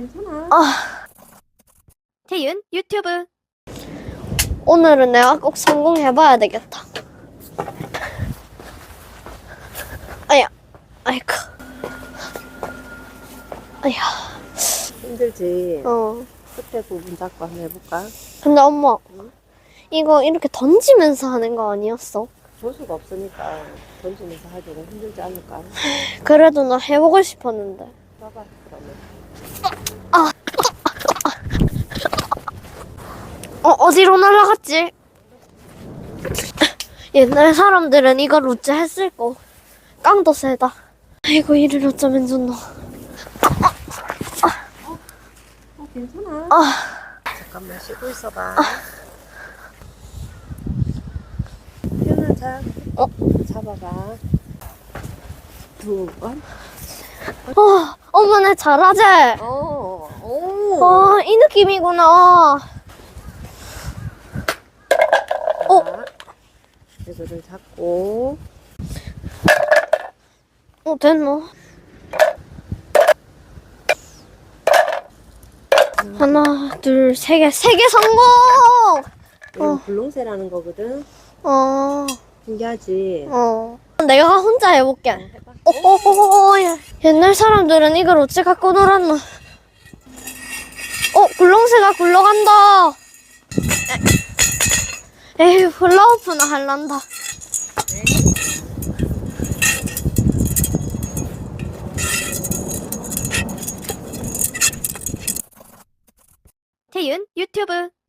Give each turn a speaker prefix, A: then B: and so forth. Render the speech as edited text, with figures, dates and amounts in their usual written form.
A: 괜찮아.
B: 태윤 유튜브.
C: 오늘은 내가 꼭 성공해봐야 되겠다. 아야, 아이고. 아야,
A: 힘들지?
C: 어.
A: 끝에 부분 잡고 한번 해볼까?
C: 근데 엄마,
A: 응?
C: 이거 이렇게 던지면서 하는 거 아니었어?
A: 조수가 없으니까 던지면서 하기는 힘들지 않을까?
C: 그래도 나 해보고 싶었는데.
A: 봐봐, 그러면.
C: 어디로 날아갔지? 옛날 사람들은 이걸 어째 했을 거. 깡도 세다. 아이고, 이를 어쩌면 좋노.
A: 괜찮아. 잠깐만 쉬고 있어봐. 태연아, 자. 잡아봐. 두 번.
C: 엄마, 내 잘하지?
A: 오.
C: 이 느낌이구나.
A: 자, 이거를 잡고.
C: 됐노? 하나, 둘, 세 개 성공!
A: 이건 불롱새라는 거거든. 신기하지?
C: 내가 혼자 해볼게.
A: 해봐.
C: 옛날 사람들은 이걸 어찌 갖고 놀았노? 굴렁쇠가 굴러간다. 에휴, 훌라후프나 할란다.
B: 태윤 유튜브.